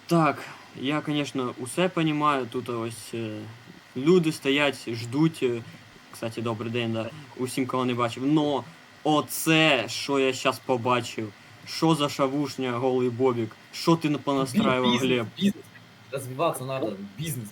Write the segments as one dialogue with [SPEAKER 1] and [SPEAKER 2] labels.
[SPEAKER 1] Так, я, конечно, усе понимаю, тут ось люди стоять, ждуть. Кстати, добрий день, да. Усім, кого не бачив. Но оце, що я зараз побачив. Що за шавушня, голий Бобік? Що ти понастраював, Глеб?
[SPEAKER 2] Бизнес. Развиваться надо. Бизнес.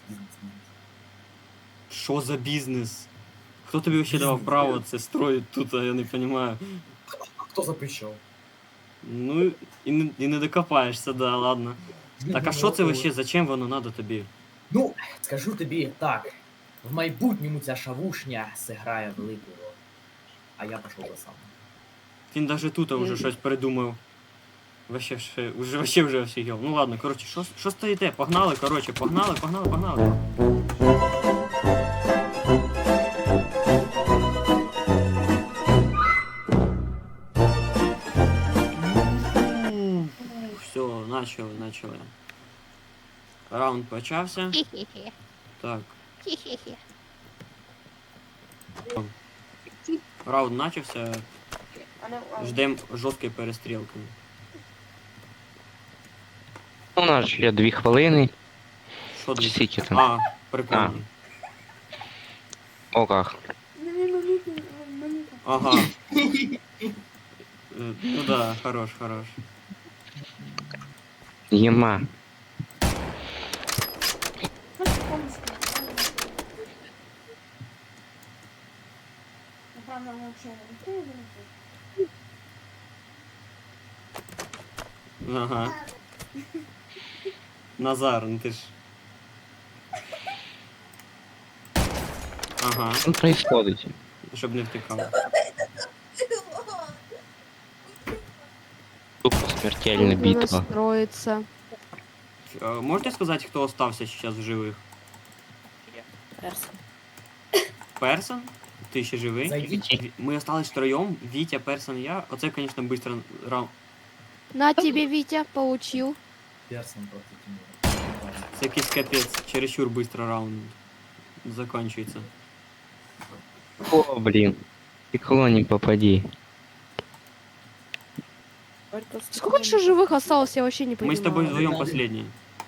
[SPEAKER 1] Що за бізнес? Хто тобі ще давав
[SPEAKER 2] Бізнес,
[SPEAKER 1] право
[SPEAKER 2] бізнес.
[SPEAKER 1] це строїть тут, а я не розумію.
[SPEAKER 2] А кто запрещал?
[SPEAKER 1] Ну, і не докопаєшся, да, ладно. Так, а що це вообще, зачем воно надо тобі?
[SPEAKER 2] Ну, скажу тобі так. В майбутньому ця шавушня зіграє велику роль. А я пішов за сам.
[SPEAKER 1] Він даже тут уже щось придумав. Вообще вже офігел. Ну ладно, коротше, що стоїте? Погнали, коротше, погнали. Все, начали. Раунд почався.
[SPEAKER 3] Хе-хе-хе.
[SPEAKER 1] Так,
[SPEAKER 3] Хе-хе-хе.
[SPEAKER 1] раунд начався. Ждем жорсткої перестрілки.
[SPEAKER 4] У нас ще 2 хвилини.
[SPEAKER 1] Що
[SPEAKER 4] Чи
[SPEAKER 1] тут?
[SPEAKER 4] скільки там?
[SPEAKER 1] А, прикольно.
[SPEAKER 4] О, как.
[SPEAKER 1] Ага. Ну да, хорош.
[SPEAKER 4] Ема.
[SPEAKER 1] Ага. Назар, ну ти ж. Ага,
[SPEAKER 4] Що происходит?
[SPEAKER 1] щоб не втікав.
[SPEAKER 4] Тупо смертельна битва.
[SPEAKER 5] Настроиться.
[SPEAKER 1] Можете сказати, хто остався зараз в живих?
[SPEAKER 3] Перс.
[SPEAKER 1] Персон? Ти ще живий?
[SPEAKER 2] Зайдіть.
[SPEAKER 1] Ми остались втроєм, Вітя, Персон, я. Оце, звісно, быстро раунд.
[SPEAKER 5] На тебе, Витя, получил.
[SPEAKER 2] Персон проти Тимура.
[SPEAKER 1] Це якийсь капець, чересчур быстро раунд закінчується.
[SPEAKER 4] О, блин. Стекло не попади.
[SPEAKER 5] Сколько еще живых осталось, я вообще не
[SPEAKER 1] Ми
[SPEAKER 5] понимаю.
[SPEAKER 1] з тобою вдвоєм
[SPEAKER 2] Один.
[SPEAKER 1] последні.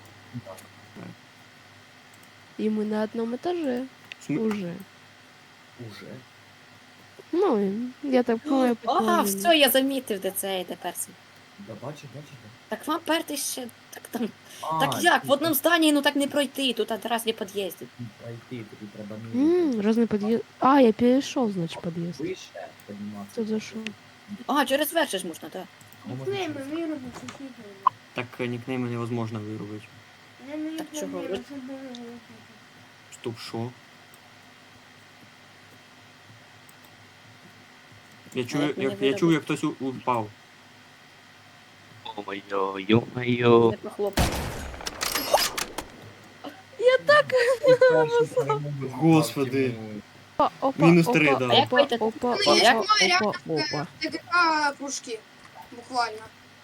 [SPEAKER 5] И мы на одном этаже уже.
[SPEAKER 2] Уже.
[SPEAKER 5] Ну, я так понимаю,
[SPEAKER 3] Ага, все, я замітив, де це йде перс.
[SPEAKER 2] Да бачу.
[SPEAKER 3] Так вам перти ще. Так там.
[SPEAKER 2] А,
[SPEAKER 3] Так як? В одному зданні, ну так не пройти, тут одразу під'їздів.
[SPEAKER 2] Пройти, тобі треба мірити.
[SPEAKER 5] Разный подъезд. А, я перешел, значит, подъезд.
[SPEAKER 2] Вище підніматися.
[SPEAKER 5] Тут зашел.
[SPEAKER 3] Ага, через верх ж можна, так.
[SPEAKER 2] Ну, можна через-
[SPEAKER 1] Так нікнейми невозможно виробити.
[SPEAKER 3] Так чого?
[SPEAKER 1] Стоп, що? Я чую, я чую, як хтось упав.
[SPEAKER 4] Ё-моё, ё-моё.
[SPEAKER 3] Не похлопав.
[SPEAKER 2] Перший перемогу
[SPEAKER 1] Господи.
[SPEAKER 2] Тимур.
[SPEAKER 5] Опа,
[SPEAKER 1] Минус
[SPEAKER 5] опа,
[SPEAKER 1] 3, да.
[SPEAKER 3] А як
[SPEAKER 5] Опа,
[SPEAKER 3] вийти?
[SPEAKER 5] опа,
[SPEAKER 3] Ну, як?
[SPEAKER 5] опа.
[SPEAKER 6] ТГК пушки, буквально.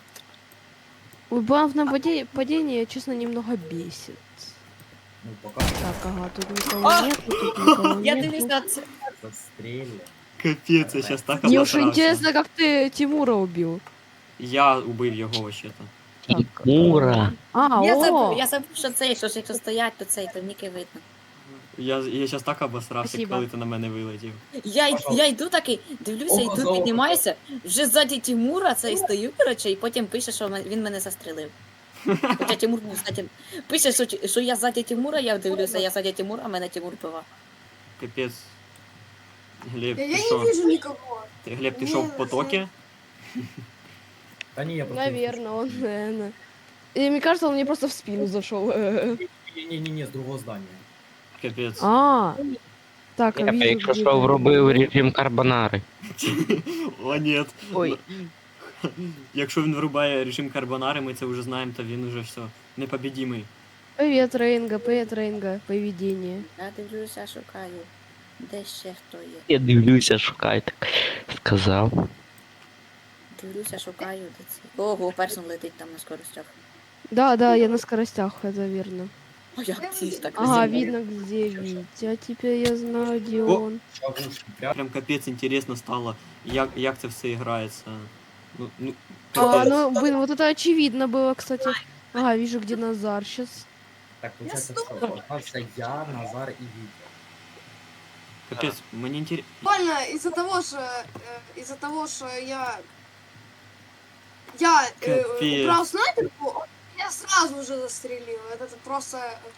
[SPEAKER 5] Убавное падение, честно, немного бесит.
[SPEAKER 2] Ну, пока
[SPEAKER 5] Так, ага, тут никого нет, тут никого
[SPEAKER 3] Я
[SPEAKER 5] нет.
[SPEAKER 3] дивлюсь на це.
[SPEAKER 2] застрелили.
[SPEAKER 1] Капець, я зараз так
[SPEAKER 5] Мне уж
[SPEAKER 1] обосрався.
[SPEAKER 5] интересно, как ты Тимура убил.
[SPEAKER 1] Я убив його вообще-то.
[SPEAKER 4] Тимура.
[SPEAKER 5] А,
[SPEAKER 3] Я забув, що цей, що ж якщо стоять, то цей, то ніки видно.
[SPEAKER 1] Я зараз так обосрався,
[SPEAKER 5] Спасибо.
[SPEAKER 1] коли ти на мене вилетів.
[SPEAKER 3] Я йду такий, дивлюся,
[SPEAKER 2] Око за
[SPEAKER 3] йду,
[SPEAKER 2] око.
[SPEAKER 3] піднімаюся, вже ззаді Тимура цей стою, коротше, і потім пише, що він мене застрелив. Хоча Тимур був ззаді. Пише, що я ззаді Тимура, я дивлюся, я ззаді Тимура, а мене Тимур пива.
[SPEAKER 1] Капець. Глеб,
[SPEAKER 6] Я
[SPEAKER 1] ти
[SPEAKER 6] не
[SPEAKER 1] що?
[SPEAKER 6] вижу никого.
[SPEAKER 1] Глеб, ти що в потокі?
[SPEAKER 2] Та ні, я просто...
[SPEAKER 5] наверное, он, наверное. И мне кажется, он мне просто в спину зашел.
[SPEAKER 2] Ні, з другого здання.
[SPEAKER 1] Капець.
[SPEAKER 5] А, так,
[SPEAKER 4] Я
[SPEAKER 5] вижу,
[SPEAKER 4] якщо
[SPEAKER 5] где
[SPEAKER 4] що
[SPEAKER 5] ты.
[SPEAKER 4] вробив режим карбонари.
[SPEAKER 1] О, ні.
[SPEAKER 5] Ой.
[SPEAKER 1] Якщо він врубає режим карбонари, ми це вже знаємо, то він уже все. Непобідімий.
[SPEAKER 5] Привет, Рейнга, поведение.
[SPEAKER 3] Я дивлюся, шукаю. Де ще хто є?
[SPEAKER 4] Я дивлюся, шукай, так сказав.
[SPEAKER 3] Дивлюся, шукаю, де це. Ого, персон летить там на скоростях.
[SPEAKER 5] Да, я на скоростях, это верно.
[SPEAKER 3] О, як ці так
[SPEAKER 5] Ага,
[SPEAKER 3] зі мною.
[SPEAKER 5] видно, где Витя. Теперь я знаю, где
[SPEAKER 1] О.
[SPEAKER 5] он.
[SPEAKER 2] Шавушки, прям.
[SPEAKER 1] Прям капець інтересно стало, як це все грається. Ну,
[SPEAKER 5] А,
[SPEAKER 1] капець.
[SPEAKER 5] ну, блин, вот это очевидно было, кстати. Ага, вижу, где Назар сейчас.
[SPEAKER 2] Так, получается,
[SPEAKER 6] Я
[SPEAKER 2] что? Остался я, Назар и Витя.
[SPEAKER 1] Капець, мені інтересно.
[SPEAKER 6] Буквально из-за того, что я
[SPEAKER 1] Капец.
[SPEAKER 6] убрал снайперку, я сразу же застрелил. Это просто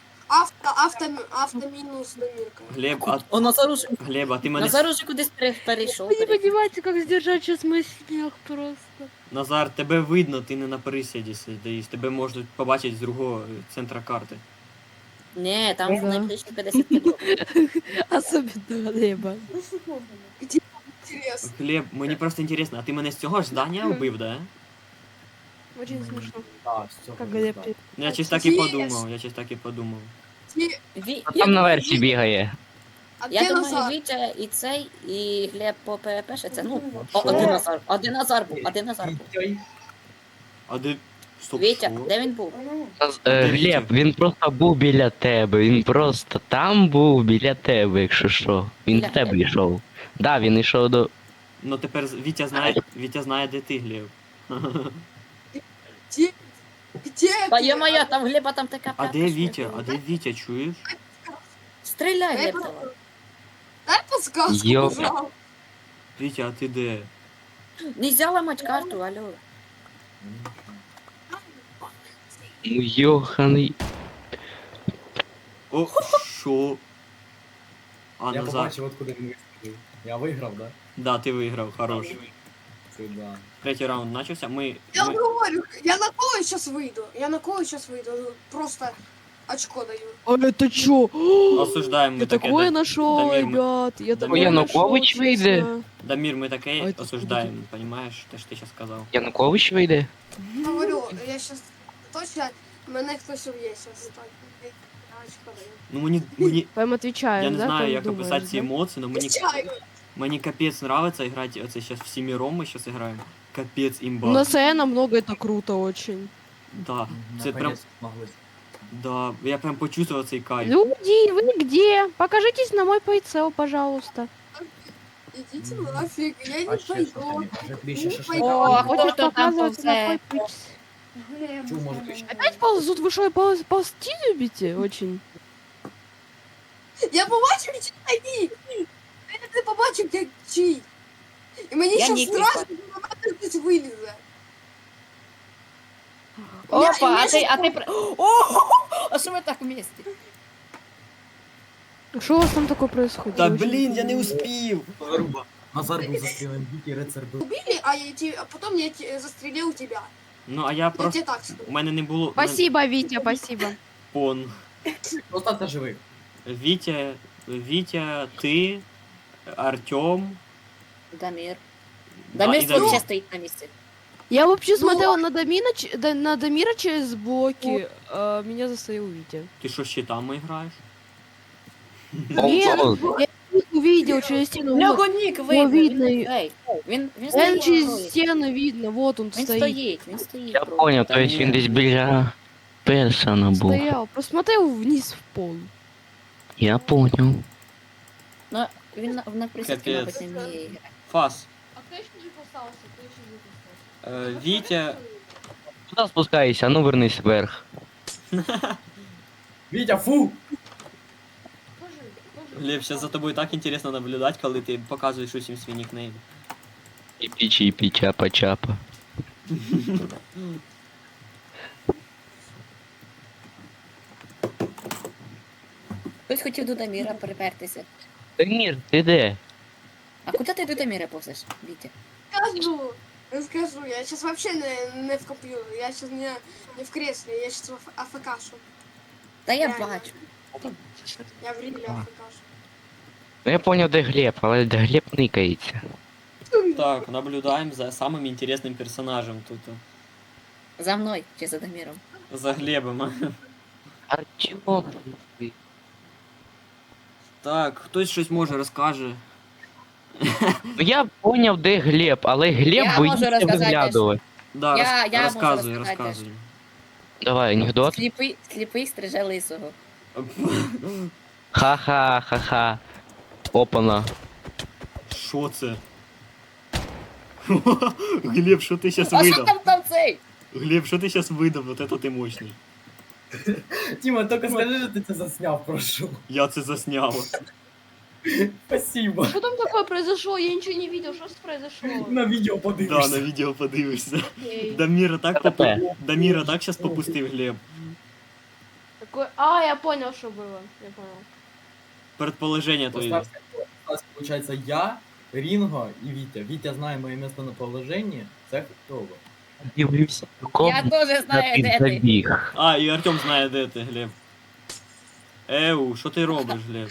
[SPEAKER 6] автоминус Дамирка.
[SPEAKER 1] Глеб,
[SPEAKER 3] О, Назар уже,
[SPEAKER 1] Глеб, а ти мене...
[SPEAKER 3] Назар уже кудись перейшов.
[SPEAKER 5] Вы не понимаете, как сдержать сейчас мой смех просто.
[SPEAKER 1] Назар, тебе видно, ти не на присіді сидиш. Тебе можуть побачити з другого центра карти.
[SPEAKER 3] Ні, там
[SPEAKER 5] Ага.
[SPEAKER 3] найближче 50 кіло.
[SPEAKER 5] Особенно Глеба.
[SPEAKER 6] Интересно.
[SPEAKER 1] Глеб, мені просто інтересно, а ти мене з цього ж здання вбив, да?
[SPEAKER 5] Очень смешно.
[SPEAKER 2] Да, все.
[SPEAKER 5] Как Глеб.
[SPEAKER 1] Ну, я щось так і
[SPEAKER 6] Є.
[SPEAKER 1] подумав, я щось так і подумав.
[SPEAKER 4] А там на версії бігає.
[SPEAKER 6] А
[SPEAKER 3] Я
[SPEAKER 6] где
[SPEAKER 3] думаю,
[SPEAKER 6] Назар?
[SPEAKER 3] Вітя і цей, і Глеб по ПВП ще це, ну,
[SPEAKER 2] Що?
[SPEAKER 3] один Назар, один Назар був, один Назар був.
[SPEAKER 1] А де... Стоп,
[SPEAKER 3] Вітя,
[SPEAKER 1] що?
[SPEAKER 3] де він був?
[SPEAKER 4] Глеб, він просто був біля тебе. Він просто там був біля тебе, якщо що. Він
[SPEAKER 3] Біля
[SPEAKER 4] до тебе
[SPEAKER 3] тебе.
[SPEAKER 4] йшов. Да, він йшов до.
[SPEAKER 1] Ну тепер Вітя знає, де ти, Глеб.
[SPEAKER 6] Где
[SPEAKER 3] Та
[SPEAKER 6] ты?
[SPEAKER 3] є-моя, там Глеба там така
[SPEAKER 1] А
[SPEAKER 3] п'ятка
[SPEAKER 1] де
[SPEAKER 3] ще.
[SPEAKER 1] Вітя? А де Вітя, чуєш?
[SPEAKER 3] Стріляй,
[SPEAKER 6] Дай
[SPEAKER 3] Глеб,
[SPEAKER 6] по-
[SPEAKER 3] давай.
[SPEAKER 6] Дай подсказку,
[SPEAKER 4] Ё.
[SPEAKER 6] пожалуйста.
[SPEAKER 1] Вітя, а ти де?
[SPEAKER 3] Нельзя ламати карту, алло.
[SPEAKER 4] Ну, йоханий.
[SPEAKER 1] О, що? А,
[SPEAKER 2] Я
[SPEAKER 1] Назар.
[SPEAKER 2] побачив, откуда він вистрілив. Я виграв, да?
[SPEAKER 1] Да, ти виграв, хорош.
[SPEAKER 2] Це да.
[SPEAKER 1] Третій раунд почався,
[SPEAKER 6] Я говорю, я на кого сейчас выйду? Я на кого сейчас выйду? Просто очко даю.
[SPEAKER 5] А это чё?
[SPEAKER 1] осуждаємо ми
[SPEAKER 5] Я
[SPEAKER 1] таке.
[SPEAKER 5] такое нашел,
[SPEAKER 1] Дамир, мы-
[SPEAKER 5] ребят. Я такое
[SPEAKER 4] Янукович
[SPEAKER 5] нашел,
[SPEAKER 4] выйдет.
[SPEAKER 5] честно.
[SPEAKER 1] Дамір, ми
[SPEAKER 5] А
[SPEAKER 1] таке
[SPEAKER 5] это
[SPEAKER 1] осуждаємо, понімаєш? Те, що ти зараз сказав.
[SPEAKER 4] Янукович вийде?
[SPEAKER 6] Говорю, я сейчас точно мене хтось уб'є сейчас. Так, я очко даю.
[SPEAKER 1] Ну мені
[SPEAKER 5] Прям отвечаю,
[SPEAKER 1] я не
[SPEAKER 5] да?
[SPEAKER 1] знаю,
[SPEAKER 5] как
[SPEAKER 1] як
[SPEAKER 5] думаешь,
[SPEAKER 1] описати ці
[SPEAKER 5] да?
[SPEAKER 1] емоції, але мені капець нравиться грати, оце зараз всіміром ми зараз граємо. Капець імба.
[SPEAKER 5] Ну, на СН много это круто очень.
[SPEAKER 1] Да, це прям, да, я прям почувствував цей кайф.
[SPEAKER 5] Люди, вы где? Покажитесь на мой прицел, пожалуйста.
[SPEAKER 6] Ідіть нафіг, я не
[SPEAKER 2] А ще що
[SPEAKER 6] пойду.
[SPEAKER 2] там? Може тобі ще
[SPEAKER 6] Не
[SPEAKER 2] шашлик?
[SPEAKER 6] пойду.
[SPEAKER 3] О, а
[SPEAKER 5] Хочешь
[SPEAKER 3] хто там
[SPEAKER 5] показывать на
[SPEAKER 3] повзе?
[SPEAKER 5] мой прицел?
[SPEAKER 2] Чу, може ти ще?
[SPEAKER 5] Опять ползут? Вы что, ползти любите очень?
[SPEAKER 6] Я побачив чий нік. Я не побачив, як чий. І мені
[SPEAKER 3] Я
[SPEAKER 6] ще
[SPEAKER 3] нік не
[SPEAKER 6] страшно, що на мене хтось вилізе.
[SPEAKER 3] Опа,
[SPEAKER 6] Я-
[SPEAKER 3] а
[SPEAKER 6] я
[SPEAKER 3] ти,
[SPEAKER 6] щас
[SPEAKER 3] а ти... О, а що ми так вместе?
[SPEAKER 5] Что у вас там такое происходит?
[SPEAKER 1] Та
[SPEAKER 5] Я очень
[SPEAKER 1] блін, я не
[SPEAKER 5] понимаю.
[SPEAKER 1] успів.
[SPEAKER 2] Назар був застрілений, Вітя рицар був.
[SPEAKER 6] Убили, а потом я застрелил тебя.
[SPEAKER 1] Ну, а я
[SPEAKER 6] Я
[SPEAKER 1] просто...
[SPEAKER 6] тебе так скажу.
[SPEAKER 1] У мене не було...
[SPEAKER 5] Спасибо, Витя, спасибо.
[SPEAKER 1] Пон.
[SPEAKER 2] Остався живий.
[SPEAKER 1] Вітя, ти, Артем.
[SPEAKER 3] Дамір.
[SPEAKER 1] Да,
[SPEAKER 3] Дамір
[SPEAKER 1] і Дамір.
[SPEAKER 3] вообще стоїть на місці.
[SPEAKER 5] Я вообще
[SPEAKER 6] Ну,
[SPEAKER 5] смотрела на на Дамира через блоки, а меня застоял Витя.
[SPEAKER 1] Ти що, щитами граєш?
[SPEAKER 5] Нет,
[SPEAKER 4] О,
[SPEAKER 5] я их увидел через стену.
[SPEAKER 3] У
[SPEAKER 5] Вот.
[SPEAKER 3] нього нік видно,
[SPEAKER 5] видно.
[SPEAKER 3] Він
[SPEAKER 5] Прям
[SPEAKER 3] стоїть.
[SPEAKER 5] через
[SPEAKER 3] стоїть.
[SPEAKER 5] стену видно, вот он
[SPEAKER 3] Він
[SPEAKER 5] стоит.
[SPEAKER 3] стоїть, він стоїть.
[SPEAKER 4] я
[SPEAKER 3] бро.
[SPEAKER 4] понял,
[SPEAKER 1] Та
[SPEAKER 4] то есть
[SPEAKER 1] ні.
[SPEAKER 4] він десь біля Персона був.
[SPEAKER 5] Стоял, посмотрел вниз в пол.
[SPEAKER 4] Я понял.
[SPEAKER 3] Ну, він на присідки,
[SPEAKER 1] Капець.
[SPEAKER 3] мабуть, не вміє грати.
[SPEAKER 1] Фас.
[SPEAKER 5] А кто еще не остался? Кто еще не остался?
[SPEAKER 1] Вітя...
[SPEAKER 4] Куди спускаєшся? А ну вернись вверх.
[SPEAKER 2] Вітя, фу!
[SPEAKER 1] Глеб, сейчас за тобою так интересно наблюдать, коли ти показуєш усім свій нікнейм.
[SPEAKER 4] Чіпі-чіпі, чапа-чапа.
[SPEAKER 3] Хтось хотів до Даміра припертися.
[SPEAKER 4] Дамір, ти де?
[SPEAKER 3] А куди ти до Даміра повзеш, Вітя?
[SPEAKER 6] Скажу, я сейчас вообще не в компьютере, я сейчас не в кресле, я сейчас в АФКшу.
[SPEAKER 3] Та я
[SPEAKER 6] Реально.
[SPEAKER 3] бачу.
[SPEAKER 6] Я в реале АФКшу.
[SPEAKER 4] Ну я понял, де Глеб, але де Глеб никається.
[SPEAKER 1] Так, наблюдаємо за самим інтересним персонажем тут.
[SPEAKER 3] За мною чи за Даміром.
[SPEAKER 1] За Глебом.
[SPEAKER 4] Артем.
[SPEAKER 1] Так, хтось щось може розкаже.
[SPEAKER 4] Ну я поняв, де Глеб, але Глеб
[SPEAKER 3] Я можу
[SPEAKER 4] боїться
[SPEAKER 3] розказати
[SPEAKER 4] виглядувати.
[SPEAKER 1] Да,
[SPEAKER 3] Я можу
[SPEAKER 1] розказуй,
[SPEAKER 3] розказати
[SPEAKER 1] розказуй.
[SPEAKER 4] Давай, анекдот.
[SPEAKER 3] Сліпий стриже лисого.
[SPEAKER 4] Ха-ха, опана.
[SPEAKER 1] Що це? Глеб, що ти зараз
[SPEAKER 3] А що
[SPEAKER 1] видав?
[SPEAKER 3] там цей?
[SPEAKER 1] Глеб, що ти зараз видав? Вот это ти мощний.
[SPEAKER 2] Тіма, тільки скажи, що ти це засняв, прошу.
[SPEAKER 1] Я це засняв.
[SPEAKER 2] Спасибо.
[SPEAKER 5] Что там такое произошло? Я ничего не видел, что произошло?
[SPEAKER 2] На відео
[SPEAKER 1] Да,
[SPEAKER 2] подивишся.
[SPEAKER 1] на відео подивишся.
[SPEAKER 5] Окей.
[SPEAKER 1] Даміра так
[SPEAKER 4] КП.
[SPEAKER 1] Даміра так зараз попустив Глеб.
[SPEAKER 5] Такой... А, я понял, что было. Я понял.
[SPEAKER 1] Предположення твої.
[SPEAKER 2] Осталось, получается, я, Рінго і Вітя. Вітя знає моє місце на положенні. Це хто ви?
[SPEAKER 4] Дивлюся,
[SPEAKER 3] Я теж знаю, де ти.
[SPEAKER 4] забіг.
[SPEAKER 1] А, і Артем знає, де ти, Глеб. Еу, що ти робиш, Глеб?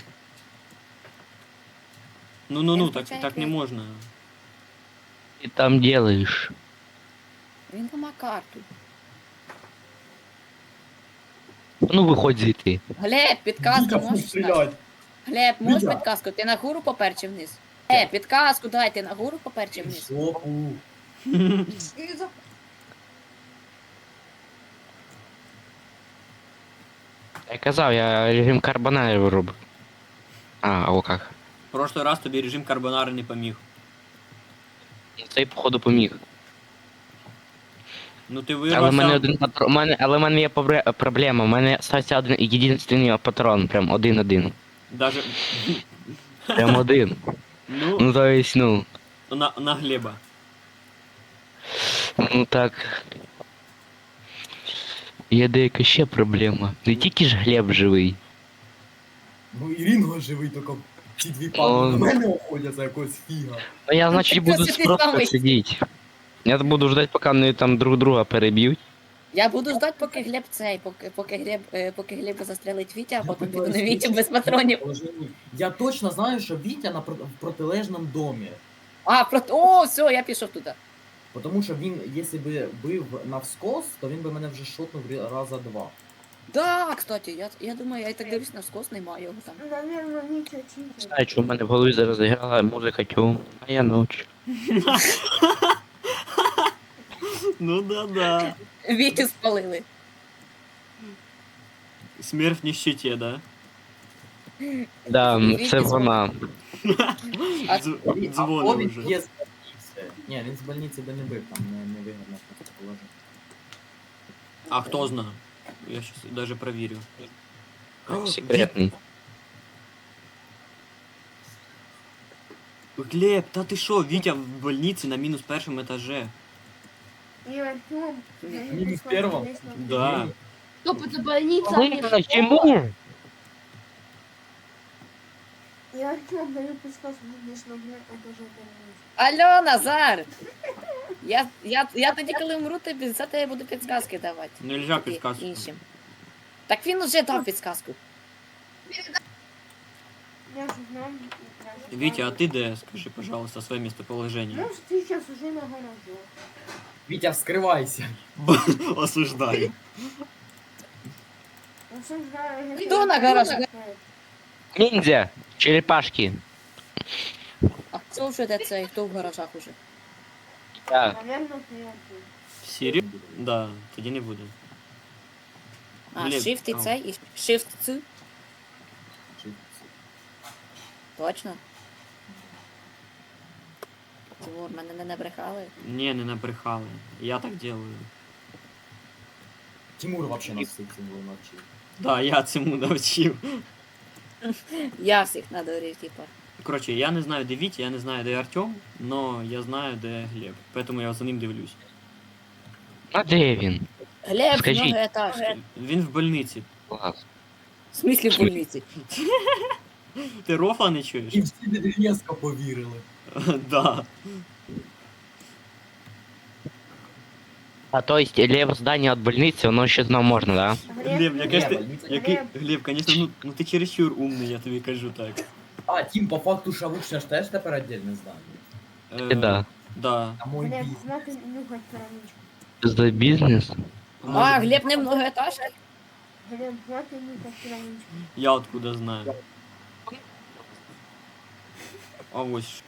[SPEAKER 1] Ну, так не можна.
[SPEAKER 4] Ти там делаєш?
[SPEAKER 3] Він нема карту.
[SPEAKER 4] Ну виходь звідти.
[SPEAKER 3] Глеб, підказку
[SPEAKER 2] Вітя,
[SPEAKER 3] можеш?
[SPEAKER 2] стрілять.
[SPEAKER 3] Глеб, можеш
[SPEAKER 2] Вітя.
[SPEAKER 3] підказку? Ти нагору попер чи вниз? Підказку дай, ти нагору попер чи вниз?
[SPEAKER 2] Жопу.
[SPEAKER 6] Снизу.
[SPEAKER 4] Я казав, я режим карбонарів робив. А о как.
[SPEAKER 1] В прошлый раз тобі режим карбонари не поміг.
[SPEAKER 4] Цей походу поміг.
[SPEAKER 1] Ну ти
[SPEAKER 4] Але в мене
[SPEAKER 1] вирвався.
[SPEAKER 4] один патрон. Але в мене є проблема. У мене стався один єдиний патрон. Прям один.
[SPEAKER 1] Даже.
[SPEAKER 4] Прям один.
[SPEAKER 1] Ну,
[SPEAKER 4] Ну то есть, ну.
[SPEAKER 1] на Глеба.
[SPEAKER 4] Ну так. Є деяка ще проблема. Не тільки ж Глеб живий.
[SPEAKER 2] Ну і Рінго живий, тільки ці дві
[SPEAKER 4] О.
[SPEAKER 2] падли на мене уходять за якогось фіга.
[SPEAKER 4] Ну я, значить,
[SPEAKER 3] так
[SPEAKER 4] буду
[SPEAKER 3] це ти
[SPEAKER 4] просто
[SPEAKER 3] самий.
[SPEAKER 4] сидіти. Я буду ждать, поки вони там друг друга переб'ють.
[SPEAKER 3] Я буду ждати, поки Глеб цей, поки Глеб застрелить Вітя, а потім піду на Вітю без патронів.
[SPEAKER 2] Я точно знаю, що Вітя в протилежному домі.
[SPEAKER 3] О, все, я пішов туди.
[SPEAKER 2] Тому що він, якщо би бив навскос, то він би мене вже шотнув раза два.
[SPEAKER 3] Да, кстати, я думаю, я і так дивлюсь на скос, немає його там.
[SPEAKER 6] Наверное, Витя читер.
[SPEAKER 4] Знаю, що в мене в голові зараз грала музика тьом, а я ночі.
[SPEAKER 1] Ну да.
[SPEAKER 3] Вітю спалили.
[SPEAKER 1] Смерть в нищеті, да?
[SPEAKER 4] Да,
[SPEAKER 3] Вітя
[SPEAKER 4] це вона.
[SPEAKER 3] А-
[SPEAKER 1] Дзвонив
[SPEAKER 2] він
[SPEAKER 1] вже.
[SPEAKER 2] є з больниці. Ні, він з больниці би не бив, там не вигідно просто положення.
[SPEAKER 1] А хто знає? Я щас даже проверю.
[SPEAKER 4] Секретний.
[SPEAKER 1] Глеб, та ти що, Вітя в больниці на мінус першому етаже.
[SPEAKER 6] И Артем.
[SPEAKER 2] Минус первого?
[SPEAKER 1] Да.
[SPEAKER 5] Стоп, это больница, а не школа.
[SPEAKER 4] Чому?
[SPEAKER 6] И Артем даю подсказку, будешь на этаже больницы.
[SPEAKER 3] Алло, Назар! Я тоді, коли умру, тобі за тебе буду підсказки давати.
[SPEAKER 1] Нельзя
[SPEAKER 3] Тобі,
[SPEAKER 1] підказку.
[SPEAKER 3] іншим. Так він уже дав підсказку.
[SPEAKER 6] Я же знаю. я же
[SPEAKER 1] Вітя,
[SPEAKER 6] знаю.
[SPEAKER 1] а ти де? Скажи, пожалуйста, своє місцеположення.
[SPEAKER 6] Ну, ты сейчас уже на гараже.
[SPEAKER 2] Вітя, вскривайся.
[SPEAKER 1] Осуждаю.
[SPEAKER 6] Осуждаю.
[SPEAKER 3] Хто на гараже?
[SPEAKER 4] Ниндзя! Черепашки.
[SPEAKER 3] А хто вже де цей, хто в гаражах уже?
[SPEAKER 4] Да.
[SPEAKER 6] Наверное, ты Артем.
[SPEAKER 1] Сірі? Да, тоді не буде.
[SPEAKER 3] А,
[SPEAKER 1] Глеб,
[SPEAKER 3] shift і
[SPEAKER 1] а.
[SPEAKER 3] цей, і shift C? Точно? Тимур, мене не набрехали.
[SPEAKER 1] Ні, не набрехали. Я так делаю.
[SPEAKER 2] Тимур вообще нас всіх цим навчив.
[SPEAKER 1] Да, я цьому навчив.
[SPEAKER 3] Я всіх надурив, типа.
[SPEAKER 1] Коротше, я не знаю, де Вітя, я не знаю, де Артем, но я знаю, де Глеб. Поэтому я за ним дивлюсь.
[SPEAKER 4] А де він?
[SPEAKER 3] Глеб,
[SPEAKER 4] Скажіть.
[SPEAKER 3] многоетажки.
[SPEAKER 1] Він в больниці.
[SPEAKER 4] Клас.
[SPEAKER 3] В смислі в больниці?
[SPEAKER 1] Ти рофла не чуєш?
[SPEAKER 2] І всі різко повірили.
[SPEAKER 1] Да.
[SPEAKER 4] А то есть лево здание от больницы, оно ще знов можна, да?
[SPEAKER 1] Глеб, якесь ти...
[SPEAKER 2] больниця.
[SPEAKER 1] Глеб, конечно, ну ти чересчур умний, я тобі кажу так.
[SPEAKER 2] А, Тім, по факту шавушня ж теж тепер отдельне здання.
[SPEAKER 1] Е,
[SPEAKER 4] Да.
[SPEAKER 1] Да.
[SPEAKER 2] А мой
[SPEAKER 6] Глеб,
[SPEAKER 2] бізнес.
[SPEAKER 6] смотри, нюхать короничку.
[SPEAKER 4] За бізнес?
[SPEAKER 3] А, Глеб не многоетажки?
[SPEAKER 6] Глеб, смотри, нюхать короничку.
[SPEAKER 1] Я откуда знаю. А ось. що.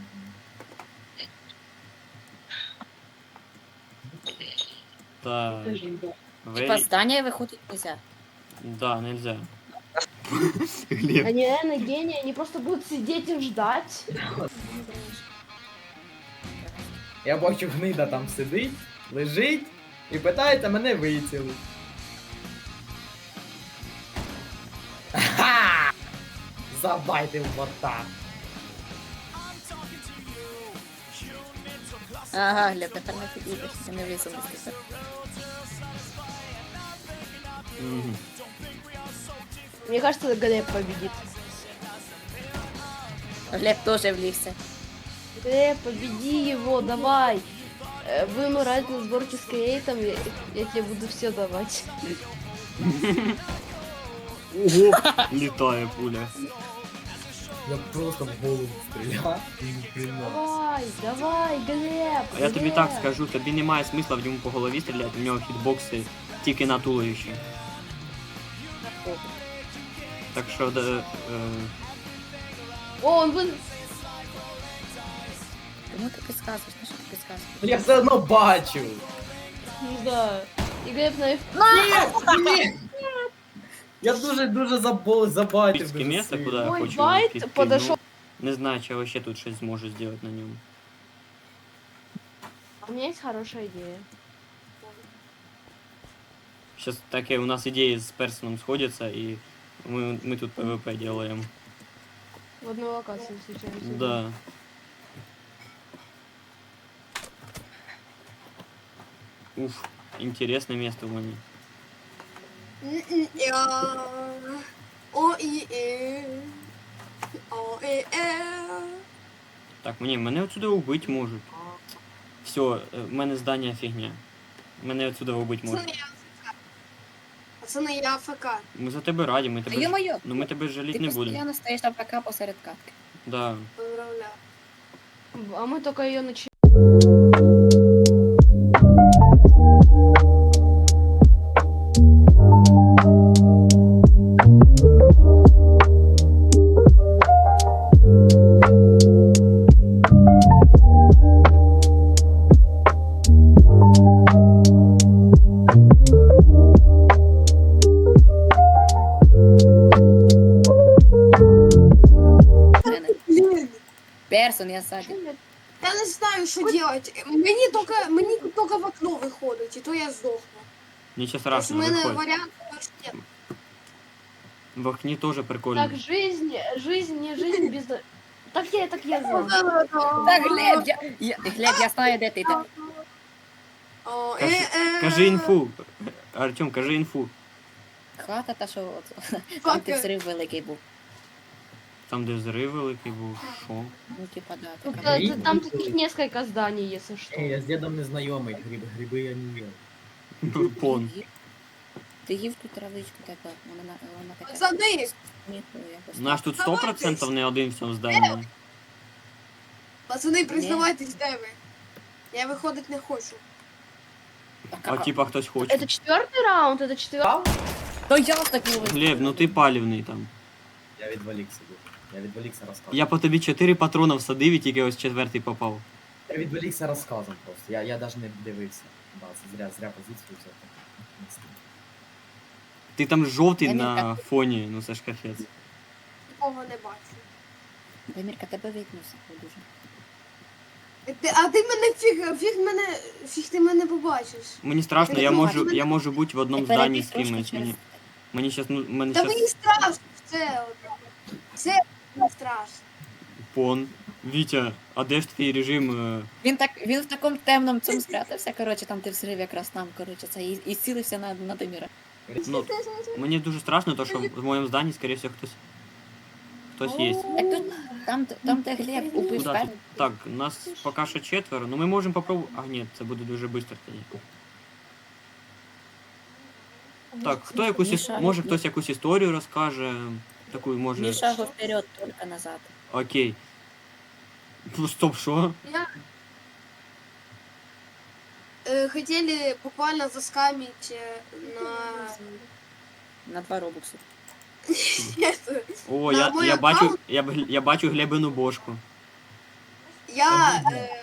[SPEAKER 1] Так.
[SPEAKER 3] Типа здання виходить нельзя.
[SPEAKER 1] Да, нельзя. Глеб.
[SPEAKER 5] Они реально гении, они просто будут сидеть и ждать.
[SPEAKER 2] Я бачу, гнида там сидить, лежить І питається мене вицілити. Ха! Забайте в бота.
[SPEAKER 3] Ага, Глеб, тепер не підійдеш, ти не влізу без тебе.
[SPEAKER 1] Мгм.
[SPEAKER 5] Мне кажется, Глеб победит.
[SPEAKER 3] Глеб теж влізся.
[SPEAKER 5] Глеб, победи его, давай. Будем играть на сборке с креатом, я тебе буду все давать.
[SPEAKER 1] Ого, літає пуля.
[SPEAKER 2] Я просто в голову стріляв і не прийняв.
[SPEAKER 5] Давай, давай, Глеб.
[SPEAKER 1] А я тобі
[SPEAKER 5] Глеб.
[SPEAKER 1] так скажу, тобі немає смисла в ньому по голові стріляти, в нього хітбокси тільки на туловищі. Так що,
[SPEAKER 5] О, он вы...
[SPEAKER 3] Кому ти підказуєш? Ну що ти підказуєш?
[SPEAKER 2] Ну я все одно бачу.
[SPEAKER 5] Ну да. И Глеб на F...
[SPEAKER 2] Ні! Я дуже забайтив.
[SPEAKER 1] Піцьке місце, куди я
[SPEAKER 5] Мой
[SPEAKER 1] хочу
[SPEAKER 5] байт
[SPEAKER 1] підкину.
[SPEAKER 5] подошел.
[SPEAKER 1] Не знаю, чи я ще тут щось зможу зробити на ньому.
[SPEAKER 5] У меня есть хорошая идея.
[SPEAKER 1] Сейчас таке у нас ідеї з Персоном сходяться, і ми тут ПВП делаем.
[SPEAKER 5] В одной локации встречаемся.
[SPEAKER 1] Да. Уф, интересное место в мене.
[SPEAKER 6] О-і-е. О-і-е.
[SPEAKER 1] Так, мене отсюда убить можуть. Все, в мене здання фігня. Мене отсюда убить
[SPEAKER 6] Це
[SPEAKER 1] можуть.
[SPEAKER 6] не я АФК. Пацани, я АФК.
[SPEAKER 1] Ми за тебе раді, ми
[SPEAKER 3] Та
[SPEAKER 1] тебе.
[SPEAKER 3] йо-моє,
[SPEAKER 1] Ну ми тебе жаліть
[SPEAKER 3] ти
[SPEAKER 1] не будемо.
[SPEAKER 3] постійно стоїш там ПК посеред катки.
[SPEAKER 1] Да.
[SPEAKER 6] Поздравляю.
[SPEAKER 5] А мы только ее начали.
[SPEAKER 6] Блін.
[SPEAKER 3] Персон, я ззаді.
[SPEAKER 6] Я не знаю, що робити. Мені тільки в окно виходить, і то я здохну.
[SPEAKER 1] Нічого
[SPEAKER 6] Тобто в
[SPEAKER 1] страшного,
[SPEAKER 6] мене
[SPEAKER 1] виходь.
[SPEAKER 6] варіант більше нет.
[SPEAKER 1] В окні теж прикольно.
[SPEAKER 5] Так, жизнь, не жизнь без... Так я знаю.
[SPEAKER 3] Так, Глеб, Глеб, я знаю, де ти.
[SPEAKER 1] Кажи інфу. Артем, кажи інфу.
[SPEAKER 3] Хата та що там ти взрив великий був.
[SPEAKER 1] Там, де взрив великий був. Що?
[SPEAKER 3] Ну, типа, да.
[SPEAKER 5] Тут,
[SPEAKER 3] така.
[SPEAKER 5] там таких несколько зданий, если что.
[SPEAKER 2] Я з дідом не знайомий, гриби я не їв.
[SPEAKER 1] Пон.
[SPEAKER 3] Ти їв ту травичку така, вона така.
[SPEAKER 6] Пацани,
[SPEAKER 3] сміху якось.
[SPEAKER 1] Наш тут 100% не один в цьому зданні.
[SPEAKER 6] пацани, признавайтесь, де ви. Я виходить не хочу.
[SPEAKER 1] А типа хтось хоче.
[SPEAKER 5] Это 4-й раунд, это 4-й.
[SPEAKER 3] То я ж так його.
[SPEAKER 1] Глеб, ну ти палівний там.
[SPEAKER 2] Я відволікся дуже. Я відволікся розказом.
[SPEAKER 1] Я по тобі 4 патрона всадив і тільки ось четвертий попав.
[SPEAKER 2] Я відволікся розказом просто. Я навіть не дивився. Да, зря позицію взяв.
[SPEAKER 1] Ти там жовтий
[SPEAKER 3] Я не
[SPEAKER 1] на фоні, ну це ж капець.
[SPEAKER 6] Нікого не бачу.
[SPEAKER 3] Демірка, тебе вікнувся дуже.
[SPEAKER 6] А ти мене фіг ти мене побачиш.
[SPEAKER 1] Мені страшно,
[SPEAKER 6] Ти
[SPEAKER 1] я
[SPEAKER 6] не
[SPEAKER 1] можу,
[SPEAKER 6] бачиш.
[SPEAKER 1] я можу бути в одному
[SPEAKER 3] Ти
[SPEAKER 1] зданні
[SPEAKER 3] перебіг
[SPEAKER 1] з
[SPEAKER 3] трошки
[SPEAKER 1] кимось.
[SPEAKER 3] через-
[SPEAKER 1] Мені щас, ну, мене
[SPEAKER 6] Та мені
[SPEAKER 1] щас
[SPEAKER 6] страшно, це не страшно.
[SPEAKER 1] пон. Вітя, а де ж твій режим?
[SPEAKER 3] Він в такому темному цьому спрятався, коротше, там ти взрив якраз там, коротше, це і цілився на Деміра.
[SPEAKER 1] Ну, мені дуже страшно, то що в моєму зданні, скоріше всього, хтось є.
[SPEAKER 3] Так тут, там де Глеб убив
[SPEAKER 1] Куда
[SPEAKER 3] перший.
[SPEAKER 1] тут? Так, нас поки що 4, ну ми можемо попробувати. А, ні, це буде дуже швидко тоді. Так, хто якусь
[SPEAKER 3] Міша.
[SPEAKER 1] може хтось якусь історію розкаже. Таку може.
[SPEAKER 3] Ні шагу вперед, тільки назад.
[SPEAKER 1] Окей. Ну, стоп, що?
[SPEAKER 6] Хотіли буквально заскамить
[SPEAKER 3] На 2 робокси.
[SPEAKER 1] О,
[SPEAKER 6] На мой
[SPEAKER 1] я бачу,
[SPEAKER 6] аккаунт?
[SPEAKER 1] я бачу Глебину бошку.
[SPEAKER 6] Я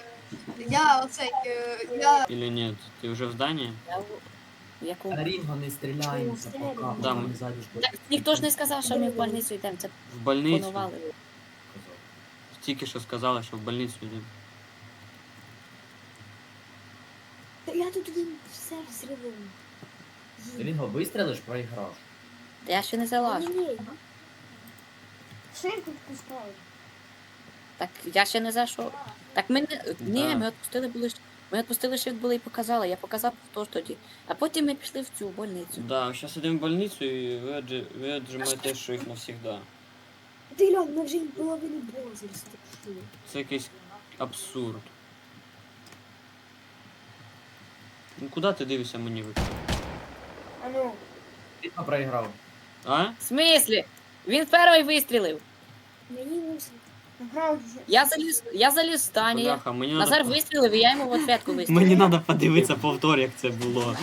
[SPEAKER 1] Или нет? Ти вже в зданні?
[SPEAKER 3] Я в якому?
[SPEAKER 2] На Рінго не стріляємося поки.
[SPEAKER 1] Да,
[SPEAKER 2] ми
[SPEAKER 1] ми-
[SPEAKER 2] ззаді ж
[SPEAKER 3] Так ніхто ж не сказав, що ми в больницю йдемо, це
[SPEAKER 1] В больницю.
[SPEAKER 3] планували.
[SPEAKER 1] Тільки що сказала, що в больницю йдемо.
[SPEAKER 3] Я тут
[SPEAKER 7] все взривом.
[SPEAKER 2] Лінго, вистрілиш, проіграв.
[SPEAKER 3] Я ще не залажу.
[SPEAKER 7] Ні. Що я тут пускаю?
[SPEAKER 3] Так я ще не зайшов. Так ми не. Ні,
[SPEAKER 1] Да.
[SPEAKER 3] ми відпустили були. Ми відпустили, що були і показали. Я показав хто ж тоді. А потім ми пішли в цю больницю.
[SPEAKER 1] Да, зараз йдемо в больницю і ви отжимаєте, що їх навсегда.
[SPEAKER 7] Ти глянь, ми вже половину возраста.
[SPEAKER 1] Це якийсь абсурд. Ну куди ти дивишся мені в екран?
[SPEAKER 7] А ну.
[SPEAKER 2] Лінго проіграв.
[SPEAKER 1] А?
[SPEAKER 3] В смислі? Він перший вистрілив.
[SPEAKER 7] Мені мусить. Направді.
[SPEAKER 3] Я заліз в стані.
[SPEAKER 1] Бляха, мені
[SPEAKER 3] Назар
[SPEAKER 1] надо...
[SPEAKER 3] вистрілив, і я йому в ответку вистрілив.
[SPEAKER 1] Мені треба подивитися повтор, як це було.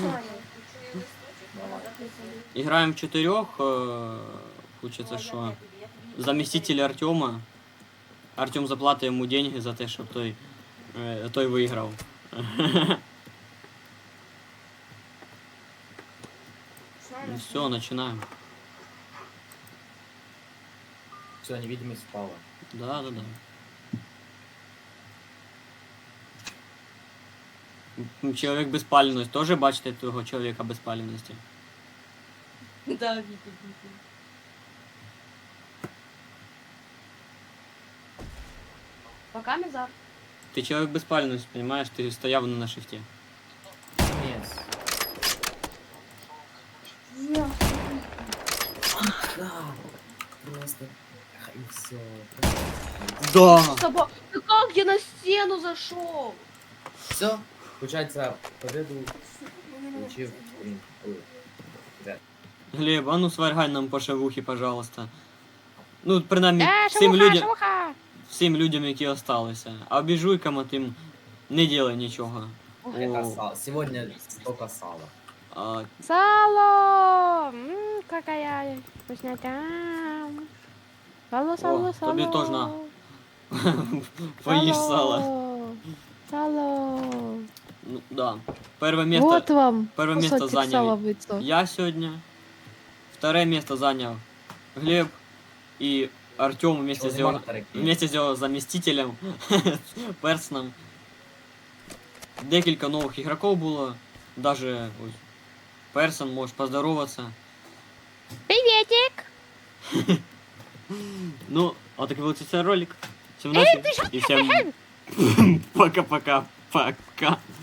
[SPEAKER 1] Играем в четырех. Хочется что? Заместитель Артема. Артем заплатить ему деньги за те, щоб той виграв. Ну все, начинаем.
[SPEAKER 2] Все, невидимість впала.
[SPEAKER 1] Да. Чоловік без паленості. Тоже бачите того чоловіка без паленості?
[SPEAKER 3] Да,
[SPEAKER 5] Пока, Мизар.
[SPEAKER 1] Ти чоловік без паленості, понимаешь? Ти стояв на шифті.
[SPEAKER 2] Ні.
[SPEAKER 7] Я.
[SPEAKER 2] Да. Просто. И все.
[SPEAKER 1] Да!
[SPEAKER 5] Собак. Да как я на стену зашел?
[SPEAKER 2] Все. Получается, победу получил. Блин, ой.
[SPEAKER 1] Глеб, а ну сваргай нам по шавухі, пожалуйста. Ну, принаймні, всім людям, які осталися. А обіжуйкам тим не делай нічого.
[SPEAKER 2] Это
[SPEAKER 1] О,
[SPEAKER 2] сало. Сегодня столько сала.
[SPEAKER 1] а,
[SPEAKER 5] Сало! Какая вкуснятя! Сало,
[SPEAKER 1] сало, сало. тобі теж на. Поїж сало.
[SPEAKER 5] Сало!
[SPEAKER 1] Ну, да. Первое место,
[SPEAKER 5] Вот вам
[SPEAKER 1] первое место
[SPEAKER 5] кусочек сала
[SPEAKER 1] занял
[SPEAKER 5] выйдет.
[SPEAKER 1] я сегодня. Второе место занял Глеб и Артем вместе с его заместителем Персоном. Декілька нових ігроків було. Даже ось Персон, можеш поздороватися.
[SPEAKER 5] Приветик!
[SPEAKER 1] Ну, вот такой был цей ролик. Всем удачи и всем пока-пока-пока.